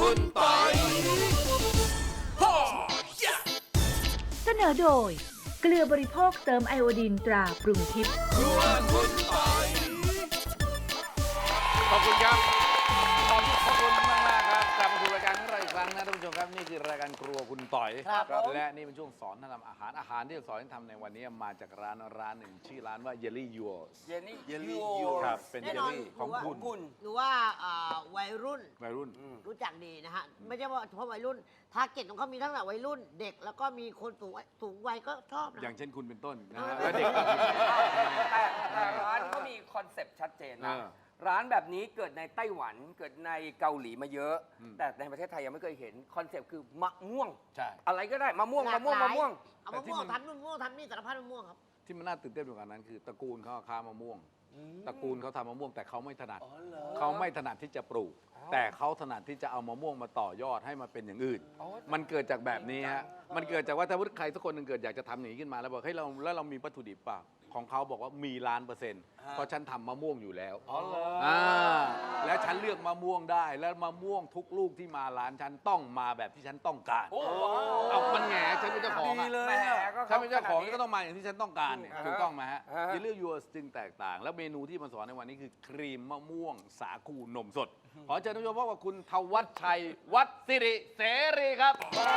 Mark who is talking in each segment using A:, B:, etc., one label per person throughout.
A: คุณปอย
B: เสนอโดยเกลือบริโภคเติมไอโอดีนตราปรุงทิพย์
A: ครัวคุณปอย
C: ขอบคุณครับขอบคุณมากๆครับกลับมาสู่รายการของเราอีกครั้งนะท่านผู้ชมครับนี่คือรายการครัวคุณต่อย
D: ครับผม
C: และนี่เป็นช่วงสอนทำอาหารที่จะสอนให้ทำในวันนี้มาจากร้านหนึ่งชื่อร้านว่า Jelly Yours
D: เยลลี่ยู
C: ครับเป็น
E: แน่
C: เย
E: น
C: ล
E: อน
C: ลี่ของคุณ
E: หรือว่าวัยรุ่น
C: วัยรุ่น
E: รู้จักดีนะฮะ ไม่ใช่ว่าเฉพาะวัยรุ่นทาร์เก็ตของเขามีทั้งแต่วัยรุ่นเด็กแล้วก็มีคนสูงวัยก็ชอบนะ
C: อย่างเช่นคุณเป็นต้นนะฮะและเด็กก็
D: แต่ร้านเขามีคอนเซปต์ชัดเจนนะ
C: เออ
D: ร้านแบบนี้เกิดในไต้หวันเกิดในเกาหลีมาเยอะ
C: อืม
D: แต่ในประเทศไทยยังไม่เคยเห็นคอนเซปต์คือมะม่วง
C: ใช่
D: อะไรก็ได้มะม่วง
E: หลาก
D: มะม่วง
E: หลาย
D: มะม่วง
E: เอามะม่วงทำนู่นมะม่วงทำนี่สารพัดมะม่วงครับ
C: ที่มันน่าตื่นเต้นกว่านั้นคือตระกูลเขาค้ามะม่วง ตระกูลเขาทำมะม่วงแต่เขาไม่ถนัดเขาไม่ถนัดที่จะปลูก แต่เขาถนัดที่จะเอามะม่วงมาต่อยอดให้มาเป็นอย่างอื่น มันเกิดจากแบบนี้ฮะ มันเกิดจากว่าถ้าใครสักคนหนึ่งเกิดอยากจะทำอย่างนี้ขึ้นมาแล้วบอกเฮ้ยเรามีวัตถุดิบเปล่าของเขาบอกว่ามี1,000,000%เพราะฉันทำมะม่วงอยู่แล้วแล้วฉันเลือกมะม่วงได้แล้วมะม่วงทุกลูกที่มาร้านฉันต้องมาแบบที่ฉันต้องการเอามันแหงฉันเป็นเจ้าของ
D: ดีเลย
C: ถ้าเป็นเจ้าของก็ต้องมาอย่างที่ฉันต้องการเนี่ยถูกต้องไหมฮะ
D: อ่าฮะ
C: เยลลี่ยูสจึงแตกต่าง แล้วเมนูที่มาสอนในวันนี้คือครีมมะม่วงสาคูนมสด ขอเชิญท่านผู้ชมพบกับคุณทวัชชัยวัดสิริเสรีครับ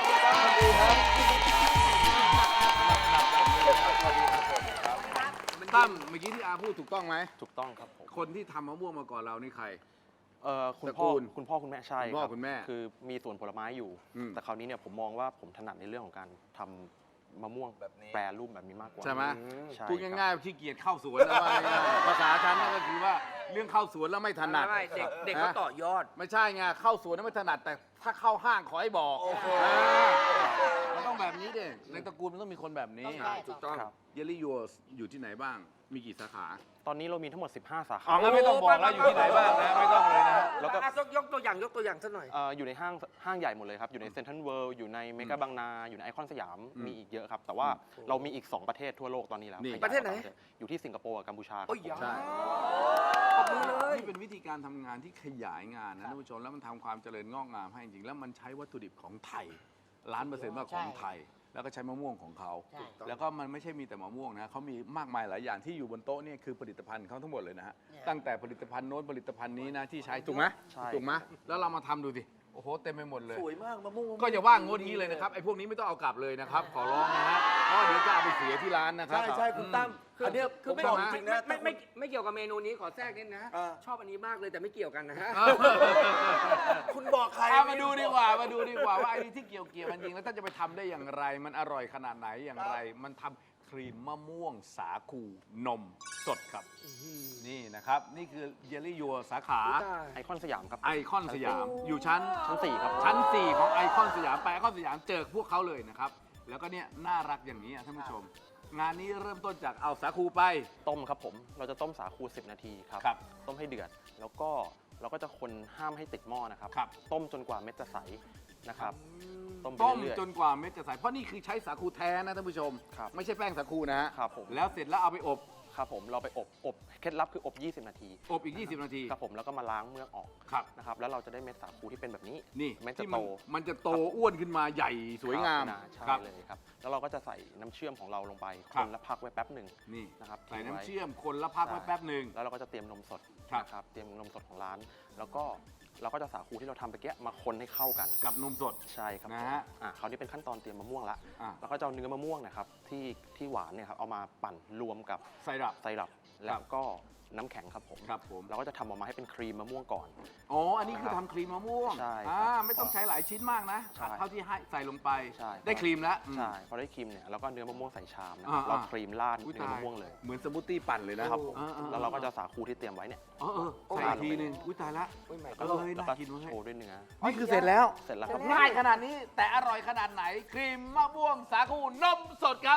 C: ตั้มเมื่อกี้ที่อาพูดถูกต้องไหม
F: ถูกต้องครับผม
C: คนที่ทำมะม่วงมาก่อนเรานี่ใคร
F: คุณ
C: ตระ
F: พ่
C: กู
F: อ
C: ล
F: คุณพ่อคุณแม่ใช่
C: คุณพ่อ
F: รับ
C: คุณแม่
F: คือมีสวนผลไม้อยู่
C: อืม
F: แต่คราวนี้เนี่ยผมมองว่าผมถนัดในเรื่องของการทำมะม่วงแบบแปรรูปแบบนี้มากกว่า
C: ใช่ไหม
F: ใช่
C: พูด
F: ครับ
C: ง่ายๆขี้เกียจเข้าสวนนะว่าง่ายๆภาษาฉันนั่นก็คือว่าเรื่องเข้าสวนแล้วไม่ถนัด
D: ไม่เด็กเขาต่อยอด
C: ไม่ใช่ไงเข้าสวนนั้นไม่ถนัดแต่ถ้าเข้าห้างขอให้บอกมันต้องแบบนี้เด็ในตระกูลมันต้องมีคนแบบนี้
E: ใช่
D: ถูกต้อง
F: ครับ
C: เยลลี่ยูสอยู่ที่ไหนบ้าง มีกี่สาขา
F: ตอนนี้เรามีทั้งหมด 15 สาขา
C: อ๋องั้นไม่ต้องบอกแล้วอยู่ที่ไหนบ้างนะไม่ต้องเลยนะ
F: แล้วก็
D: ยกตัวอย่างสักหน่อย
F: อยู่ในห้างใหญ่หมดเลยครับ อยู่ในเซ็นทรัลเวิลด์อยู่ในเมกาบางนา อยู่ในไอคอนสยาม มีอีกเยอะครับ แต่ว่าเรามีอีก 2 ประเทศทั่วโลกตอนนี้แล้ว
C: นี่
F: ขยาย
D: ประเทศไหน
F: อยู่ที่สิงคโปร์กับกัมพูชาครับ
D: โอ้ย
F: ผม
C: ใช่
D: ขอบคุณเลย
C: นี่เป็นวิธีการทำงานที่ขยายงานนะท่านผู้ชมแล้วมันทำความเจริญงอกงามให้จริงๆแล้วมันใช้วัตถุดิบของไทย1,000,000%ว่าของไทย แล้วก็ใช้มะม่วงของเขา
E: ใช่
C: แล้วก็มันไม่ใช่มีแต่มะม่วงนะเขามีมากมายหลายอย่างที่อยู่บนโต๊ะเนี่ยคือผลิตภัณฑ์เขาทั้งหมดเลยนะฮะ
E: เนี่ย
C: ตั้งแต่ผลิตภัณฑ์โน้นผลิตภัณฑ์นี้นะที่ใช้ถูกไหม
F: ใช่
C: ถูกไหมแล้วเรามาทำดูสิโอ้โหเต็มไปหมดเลย
A: สวยมากมะม่วง
C: ก็อย่าว่างงดงี้เลยนะครับไอ้พวกนี้ไม่ต้องเอากลับเลยนะครับขอร้องนะฮะเพราะเดี๋ยวจะเอาไปเสียที่ร้านนะครับ
A: ใช่คุณตั้มอันเนี้ย
D: คือไม่
A: ผม
D: ไม่
A: บอกจริงนะ
D: ไม่เกี่ยวกับเมนูนี้ขอแทรกนิดนะ ชอบอันนี้มากเลยแต่ไม่เกี่ยวกันนะฮะ
A: คุณบอกใคร
C: เอามาดูดีกว่าว่าไอ้ที่เกี่ยวมันจริงแล้วท่านจะไปทำได้อย่างไร มันอร่อยขนาดไหนอย่างไร มันทำครีมมะม่วงสาคูนมสดครับนี่นะครับนี่คือเยลลี่ยัวสาขา
F: ไอคอนสยามครับ
C: ไอคอนสยามอยู่ชั้น
F: 4 ครับ
C: ชั้น 4 ของไอคอนสยามไปไอคอนสยามเจอพวกเขาเลยนะครับแล้วก็เนี่ยน่ารักอย่างนี้ท่านผู้ชม งานนี้เริ่มต้นจากเอาสาคูไป
F: ต้มครับผม เราจะต้มสาคู 10 นาทีครับ
C: ครับ
F: ต้มให้เดือด แล้วก็เราก็จะคนห้ามให้ติดหม้อนะครับ
C: ครับ
F: ต้มจนกว่าเม็ดจะใสนะครับ ต้มไป
C: ต้ม
F: เรื่อย
C: จนกว่าเม็ดจะใสเพราะนี่คือใช้สาคูแท้นะท่านผู้ชม
F: ครับ
C: ไม่ใช่แป้งสาคูนะฮะ
F: ครับผม
C: แล้วเสร็จแล้วเอาไปอบ
F: ครับผม เราไปอบเคล็ดลับคืออบ 20 นาที
C: อบอีก 20 นาที
F: ครับผม แล้วก็มาล้างเมือกออก
C: ครับ
F: นะครับ แล้วเราจะได้เม็ดสาคูที่เป็นแบบนี้
C: นี่
F: เม็ดจะ
C: ที่
F: โต
C: มันจะโตอ้วนขึ้นมาใหญ่สวยงาม
F: ครับใช่
C: ครับ
F: เลยครับ แล้วเราก็จะใส่น้ำเชื่อมของเราลงไป
C: ค
F: ครับ นแล้วพักไว้แป๊บหนึ่ง
C: นี่
F: นะครับ
C: ใส่
F: ทิ้งไว้
C: น้ำเชื่อมคนละพักไว้แป๊บหนึ่ง
F: แล้วเราก็จะเตรียมนมสด
C: ครับ
F: นะครับ เตรียมนมสดของร้าน แล้วก็เราก็จะสาคูที่เราทำไปแกะมาคนให้เข้ากัน
C: กับนมสด
F: ใช่ครับ
C: นะฮะ
F: คราวนี้เป็นขั้นตอนเตรียมมะม่วงละ
C: อ่ะ
F: แล้วก็จะเอาเนื้อมะม่วงนะครับที่หวานเนี่ยครับเอามาปั่นรวมกับ
C: ใส่ดับ
F: ไซรัปแล้วก็น้ำแข็งครับผม
C: ครับผม
F: เราก็จะทำออกมาให้เป็นครีมมะม่วงก่อน
C: อ๋ออันนี้คือทำครีมมะม่วง
F: ใช่ครับ
C: ไม่ต้องใช้หลายชิ้นมากนะ
F: ใช่
C: เท่าที่ให้ใส่ลงไป
F: ใช่
C: ได้ครีมแล้ว
F: ใช่พอได้ครีมเนี่ยเราก็เนื้อมะม่วงใส่ชามนะ
C: อ่า
F: เราครีมราด
C: อุ๊ย
F: เนื้อมะม่วงเลย
C: เหมือนสมูทตี้ปั่นเลยนะครับ
F: ผม
C: อ่า
F: แล้วเราก็จะสาคูที่เตรียมไว้เนี่ย
C: ใส่อีกทีนึงอุ้ยตายละ
F: แล้ว
C: เอ้ย
F: แล้ว
C: น่า
F: ก็
C: กินมาก
F: โชว์ด้วยเนื้อ
C: นี่คือเสร็จแล้ว
F: เสร็จแล้วครับ
C: ง่ายขนาดนี้แต่อร่อยขนาดไหน ครีมมะม่วงสาคูนมสดครับ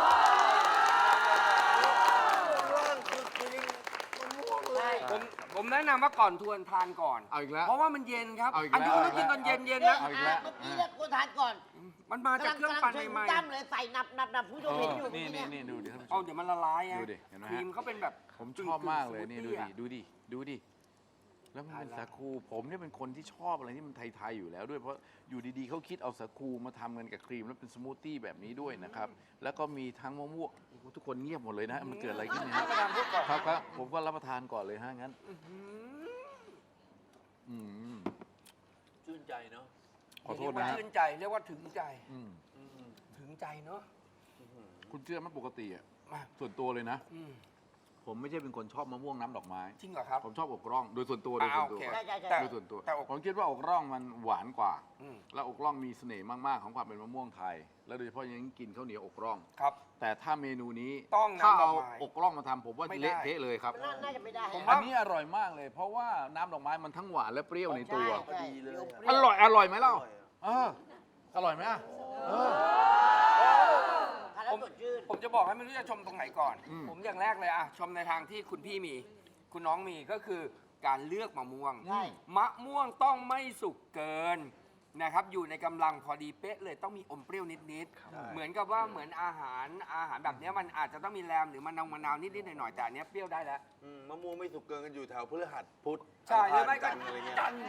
D: ผมแนะนำว่าก่อนทวนทานก่อน
C: เอาอีกแล้ว
D: เพราะว่ามันเย็นครับ
C: เอาอีก
D: อัน
C: แล้ว
D: นี้ต้องกินตอนเย็นๆนะ
C: เอาอีกแล้ว
E: เมื่อกี้เนี่ยควรทานก่อน
D: มันมาจากเครื่องปั่น
E: กำลัง
D: ใหม่
E: ตั้มเลยใส่นับผู้ชมเห็นอยู่
C: นี่
E: เมื่อกี้
C: นี่ดูดิท่านผู้
D: ๆ
C: ช
D: เอา
C: ม
D: เดี๋ยวมันละลายอะ
C: ดูดิเห็นไหมฮะ
D: ครีมเขาเป็นแบบ
C: ผมชอบมากเลยนี่ดูดิแล้วมันเป็นสาคูผมเนี่ยเป็นคนที่ชอบอะไรที่มันไทยๆอยู่แล้วด้วยเพราะอยู่ดีๆเขาคิดเอาสาคูมาทำกันกับครีมแล้วเป็นสมูทตี้แบบนี้ด้วยนะครับแล้วก็มีทั้งมะม่วงโอ้โหทุกคนเงียบหมดเลยนะมันเกิดอะไรขึ้นเนี่ย
D: ประธานพูดก่อน
C: ครับผมก็รับประทานก่อนเลยฮะงั้นอืม
A: ชื่นใจเนาะ
C: ขอโทษ
D: เรียก
C: นะ
D: ว่า
C: ฮะ
D: ชื่นใจเรียกว่าถึงใจ
C: อืม
D: ถึงใจเนาะ
C: คุณเชื่อไหมปกติอ่ะ
D: มา
C: ส่วนตัวเลยนะ
D: อืม
C: ผมไม่ใช่เป็นคนชอบมะม่วงน้ำดอกไม้
D: จริงเหรอครับ
C: ผมชอบอกร่องโดยส่วนตัวโดยส่วนตัว
D: โอเค
E: ใช่ใช่ใช่
D: แต่
C: โดยส่วนตัว
D: แต่อก
C: ผมคิดว่าอกร่องมันหวานกว่า
D: อืม
C: แล้วอกร่องมีเสน่ห์มากๆของความเป็นมะม่วงไทย แล้วโดยเฉพาะอย่างยิ่งกินข้าวเหนียวอกร่อง
D: ครับ
C: แต่ถ้าเมนูนี้
D: ต้อง
C: ถ้า
D: น้ำดอ
C: เอา
D: กไม้
C: อกร่องมาทำผมว่า
D: ไม่ได้
C: เละเทะเลยครับ
E: น่าจะไม่ได้
D: ผม
C: อั
D: ว่า
C: นนี้อร่อยมากเลย เพราะว่าน้ำดอกไม้มันทั้งหวานและเปรี้ยวในตัว
E: ใช่
A: ดีเลยอะ
E: ป
C: อ
E: ว
C: ร่อยอร่อยไหมเล่าเอออร่อยไหมอ่ะเออ
E: ทานแล้วสดชื่น
D: ผมจะบอกให้ไม่รู้จะชมตรงไหนก่อน
C: อืม
D: ผมอย่างแรกเลยอะชมในทางที่คุณพี่มี คุณน้องมีก็คือการเลือกมะม่วง
E: ใช่
D: มะม่วงต้องไม่สุกเกินนะครับ อยู่ในกำลังพอดีเป๊ะเลยต้องมีอมเปรี้ยวนิดๆเหมือนกับว่าเหมือนอาหารแบบเนี้ยมันอาจจะต้องมีแรมหรือมะนาวนิดๆหน่อยๆแต่อันเนี้ยเปรี้ยวได้แล้ว
A: มะม่วงไม่สุกเกินกันอยู่แถวพฤหัสพุธ
D: ใช่หรือไม่ก็
A: จันทร์อะไรเงี้ย
D: จันทร์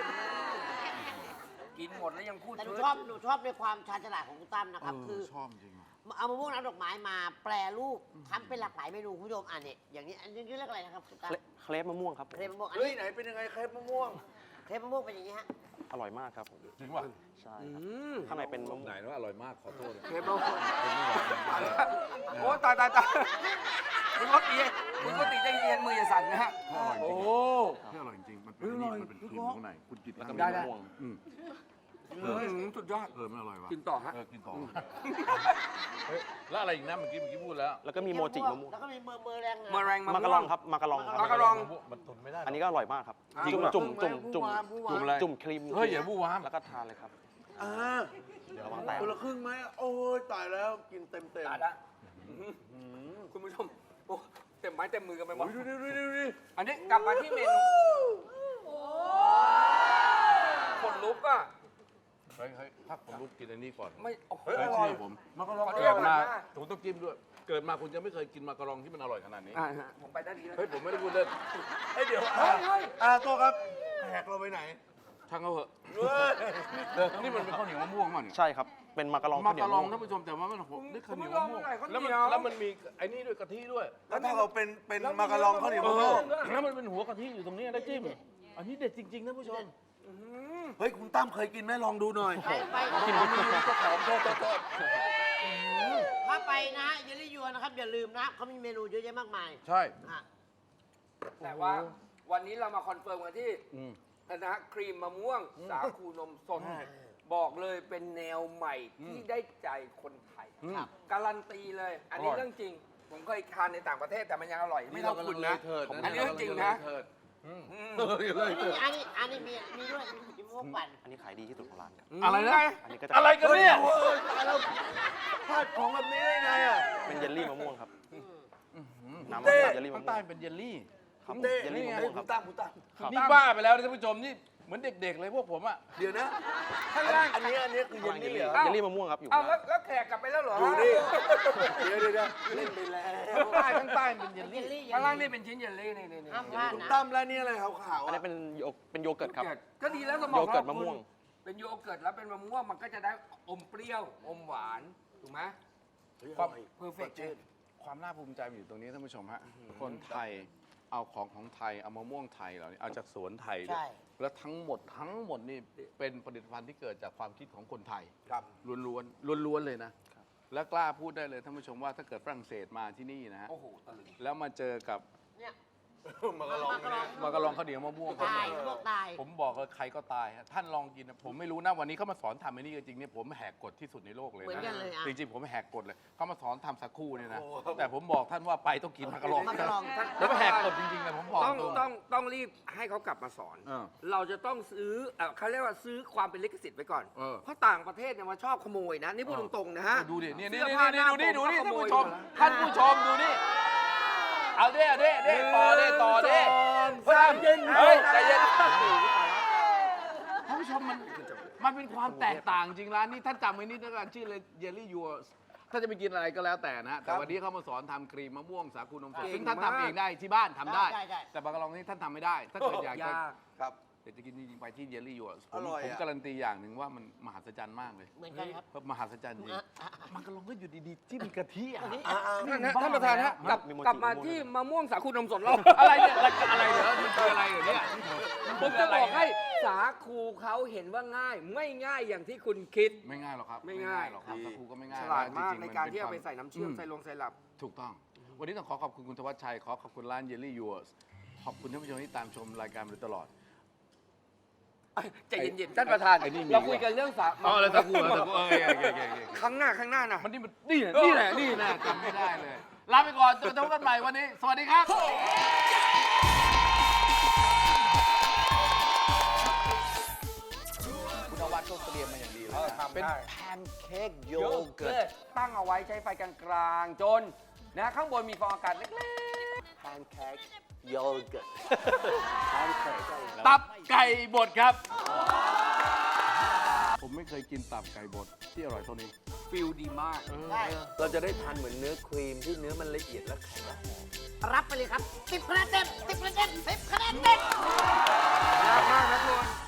D: กินหมดแล้วยังพูด
E: แต่หนู
D: เชิ
E: ชอบหนูชอบในความชาญฉลาดของคุณตั้มนะครับ คือ
C: ชอบจริงอะ
E: เอามะม่วงน้ำดอกไม้มาแปรรูปทำเป็นหลากหลายเมนูคุณผู้ชมอันนี้อย่างนี้อันนี้เรียกอะไรนะครับคุณตั้ม
F: เครปมะม่วงครับผม
E: เครปมะม่วงอัน
A: เฮ้ย
E: นี้
A: ไหนเป็นยังไงเครปมะม่วง
E: เครปมะม่วงเป็นอย่างนี้ฮะ
F: อร่อยมากครับผม
C: จริงป่ะ
F: ใช่
D: อื
F: ครับ
D: ม
F: ข้างในเป็นมะม่ว
C: ไหน
F: ง
C: ว่าอร่อยมากขอโทษ
D: เคเบิลโอ้ตายคุณก็ตีใจเย็นมืออย่าสั่นนะฮะ
C: โอ้
D: โอ้
C: อร่อยจริงมันเป็นนี่มันเป็นครีมข้างในคุณกิน
F: แล้วก็มี
C: ได้
F: มะม่วง
C: อืม
D: สุดยอด
C: ไม่อร่อยวะ
D: กินต่อฮะ
C: กินต่อเฮ้ยแล้วอะไรอีกนะเมื่อกี้พูดแล้ว
F: แล้วก็มีโมจิมะม่วง
E: แล้วก็มีเมอร์แรง
D: มะแรงมะ
F: มะกะลองครับมะกะลองครับ
D: มะกะลอง
C: มันตุนไม่ได้
F: อันนี้ก็อร่อยมากครับ
C: จริง
F: จุ่ม
C: เหรอ
F: จุ่มจุ่มจุ่ม
C: จุ่มอะไร
F: จุ่มครีม
C: เฮ้ยอย่าบู้วาม
F: แล้วก็ทานเลยครับ
A: อ่า
F: เดี๋ยวระวังแตก
A: คนละครึ่งไหมโอ้ยตายแล้วกินเต็ม
D: ตายละคุณผู้ชมโอ้เต็มไม้เต็มมือกันไปหมด
A: ดู
D: อันนี้กลับมาที่เมนูคนลุกอ่ะ
C: เฮ้ยถ้าผมลุกกินอันนี้ก่อน
D: ไม่โอ้โห
C: เฮ้ยเชื่อผม
A: มะกะลอง
D: ขอโท
C: เกิ
D: ษ
C: ด
D: นะ
C: มาผมต้องจิ้มด้วย เกิดมาคุณจะไม่เคยกินมากะลองที่มันอร่อยขนาดนี้
D: ผมไปได้ดีแล้ว
C: เฮ้ยผมไม่ได้พูดเล่น
A: เฮ้ยเดี๋ยว
D: เฮ้ย
A: ตัวครับแขกเราไปไหน
C: ช่างเขาเหอะ
A: เฮ้ย
C: นี่มันเป็นข้าวเหนียวมะม่วงมั้งเนี่ย
F: ใช่ครับ เป็นมะกะลอง
C: มา
F: ข้าวเหนีย
C: กะ
F: ว
C: ลอง
F: ม่ว
C: ท่านผู้ชมแต่ว่ามันโหนี่ข้าวเหนียว
D: คุณ
C: มะ
D: ผู้ชม
C: ม่วง
D: อะไรข้าวเหนี
C: แล้ว
D: ยว
C: แล้วมันมีไอ้นี่ด้วยกะทิด้วย
A: แล้วถ้าเราเป็นมะกะลองข้าวเหนียวมะม่วง
C: แล้วมันเป็นหัวกะทิอยู่ตรงนี้นะจิ้มอันนี้เด็ดจริงๆท่านผู้ชม
A: เฮ้ยคุณตั้มเคยกินไหมลองดูหน่อย
E: ไป
A: กินเจ้าของโทษ
E: ถ้าไปนะฮะเยลลี่ยวนนะครับอย่าลืมนะเขามีเมนูเยอะแยะมากมาย
C: ใช่
E: อ่ะ
D: แต่ว่าวันนี้เรามาคอนเฟิร์มกันที่
C: อืม
D: นะฮะครีมมะม่วง สาคูนมสดบอกเลยเป็นแนวใหม่ที่ได้ใจคนไทย
C: อืม
D: ครับการันตีเลย อันนี้
C: อร่อย
D: เรื่องจริง ผมเคยทานในต่างประเทศแต่มันยังอร่อยไม่เท่าคุณนะ
A: เถิด
D: อันนี้เรื่องจริงนะ
C: อืม
E: อันนี้มีด้วยมีพวกปั่น
F: อันนี้ขายดีที่สุดของร้านครับ
C: อะไรนะ
F: อันนี้ก็จะ
C: อะไรกันเนี่ย
A: ตายแล้วพลาดของแบบนี้ได้ไงอ่ะ
F: เป็นเยลลี่มะม่วงครับ น้ำ
A: เต้
F: เยลลี่มะ
C: ข้าง
F: ม่
C: ใต้
F: วง
C: เป็นเยลลี่
F: ครับ
A: เต้
F: เยลลี่มะม่วงครับ
A: คุณตั้ม
F: ครับ
C: นี่บ้าไปแล้วนะท่านผู้ชมนี่เหมือนเด็กๆเลยพวกผมอ่ะ
A: เดี๋ยวนะ
D: ข้างล่าง
A: อันนี้คือเยลลี่เหรอ
F: เยลลี่มะม่วงครับอยู่
D: เอา
F: ข้าง
D: แล้
F: ล่าว ง
D: แขกกลับไปแล้วเหรอ
A: ดูนี่เดี๋ยวเล่นไปแล้ว
C: ข้างใต้เป็นเยล
E: เย
C: ลี่
E: ลลี่
D: ข้างล่างนี่เป็นชิ้นเยลลี่นี่
E: ห้ามพลาด
A: คุณ
E: นะ
A: ตั้มแล้วนี่อะไรขาวๆ
F: อัน
A: อ่ะ
F: นี้เป็นโยเกิร์ตครับ
D: ก็ดีแล้วสมอง
F: โยเกิร์ตมะม่วง
D: เป็นโยเกิร์ตแล้วเป็นมะม่วงมันก็จะได้อมเปรี้ยวอมหวานถูกไหม
C: ความ
D: เพอร์เฟกต์
C: ความน่าภูมิใจมันอยู่ตรงนี้ท่านผู้ชมฮะคนไทยเอาของไทยเอามะม่วงไทยเหล่านี้เอาจากสวนไทยด้วย
E: ใช่
C: แล้วทั้งหมดนี่เป็นผลิตภัณฑ์ที่เกิดจากความคิดของคนไทย
A: ครับ
C: ล้วนๆเลยนะ และกล้าพูดได้เลยท่านผู้ชมว่าถ้าเกิดฝรั่งเศสมาที่นี่นะฮะ
D: โอ้โหตะลึง
C: แล้วมาเจอกับ
E: เนี่ย
A: มากระลองเนี่ย
C: มากะลองข้าวเหนียวมะม่วง
E: ตายพวกตาย
C: ผมบอกเลยใครก็ตายฮะท่านลองกินนะผมไม่รู้นะวันนี้เขามาสอนทำไอ้นี่จริงๆเนี่ยผมแหกกฎที่สุดในโลกเลย
E: เหมือนกันเลยอ่ะ
C: จริงๆผมแหกกฎเลยเขามาสอนทำสักครู่เนี่ยนะแต่ผมบอกท่านว่าไปต้องกินมากะลอง
E: มากะลอง
C: แล้วแหกกฎจริงๆเลยผมบอก
D: ต้อง
C: ตรง
D: ต้องรีบให้เขากลับมาสอน
C: เออ
D: เราจะต้องซื้อเขาเรียกว่าซื้อความเป็นลิขสิทธิ์ไว้ก่อน
C: เออ
D: เพราะต่างประเทศเนี่ยมันชอบขโมยนะ นี่พูดตรงๆนะฮะ
C: ดูดิเนี่ยนี่
D: เสื้อผ้าหน้า
C: ดูนี่
D: ผมก็
C: ท่านผู้ชม
D: ขโมยอยู่นะ
C: ท่านผู้ชมดูนี่เอาเด้ต่อเด้
A: เฮ้ย
C: ใจเย็นท่านผู้ชมมันเป็นความแตกต่างจริงร้านนี้ท่านจำไว้นิดนึงนะชื่อเลยเยลลี่ยูถ้าจะไปกินอะไรก็แล้วแต่นะฮะแต่
D: ครับ
C: วันนี้เขามาสอนทำครีมมะม่วงสาคูนมสด
D: เก่ง
C: ซึ่งท่าน
D: มาก
C: ทำเองได้ที่บ้านทำได้
E: ได้
C: แต่บางกะลองนี่ท่านทำไม่ได้ ถ้าเกิดอยากจะ
D: ยาก
A: ครับ
C: เดี๋ยวจะกินจริงๆไปที่เยลลี่ยูส
A: อร่อย
C: ผม
A: อะ
C: การันตีอย่างหนึ่งว่ามันมหัศจรรย์มากเลย
E: เหมือนกันครับ
C: เพราะมหัศจรรย์จริงมันกะลองก็อยู่ดีๆจิ้มกะทิอ่ะ
D: ท่านประธานฮะกลับ
F: มีโมจิ
D: กลับมา
F: โมจิ
D: ที่มะม่วงสาคูนมสดเรา
C: อะไรเนี่ยอะไรเหรอมันคืออะไรเหรอเนี่ย
D: ผมจะบอกให้สาคูเขาเห็นว่าง่าย ไม่ง่ายอย่างที่คุณคิด
C: ไม่ง่ายหรอกครับ
D: ไม่ง่าย
C: หรอกครับสาคูก็ไม่ง่าย
D: ฉลาดมาก
C: จงๆ
D: ในการ
C: มั
D: ที่เอาไป
C: น
D: ใส่น้ำเชื่อมใส่ลงใส่หลับ
C: ถูกต้อง วันนี้ต้องขอขอบคุณคุณธวัชชัย ขอบคุณร้านเยลลี่ยูสขอบคุณท่านผู้ชมที่ตามชมรายการมาโดยตลอด
D: ใจเย็นๆท่านประธาน
C: ไอ้นี่มี
D: เราคุยกันเรื่องสา
C: อ๋อแล้วสาคูเหรอสาคูโอเคโอเคโอเค
D: ข้างหน้านะ
C: มันนี่แหละจำไม่ได้เลย ลาไปก่อนเจอกันใหม่วันนี้ สวัสดีครับ คุณนวัดก็เตรียมมาอย่างดีเลยนะเป็นแพนเค้กโย
D: โย
C: เกิ
D: เกิ
C: ร์
D: ร์
C: ต
D: ตตั้งเอาไว้ใช้ไฟกลางๆจนนะข้างบนมีฟองอากาศเล็ก
A: แพนเค้กโยเกิร์ตแพนเค้ก
C: ตับไก่บดครับ ผมไม่เคยกินตับไก่บดที่อร่อยเท่านี้
D: ๆฟิลดีมาก
E: ได้
A: เราจะได้ทานเหมือนเนื้อครีมที่เนื้อมันละเอียดและแข็งและหอม
E: รับไปเลยครับ10 คะแนนเต็ม10 คะแนนเต็ม10 คะแนนเต็ม
D: ยากมากนะคุณ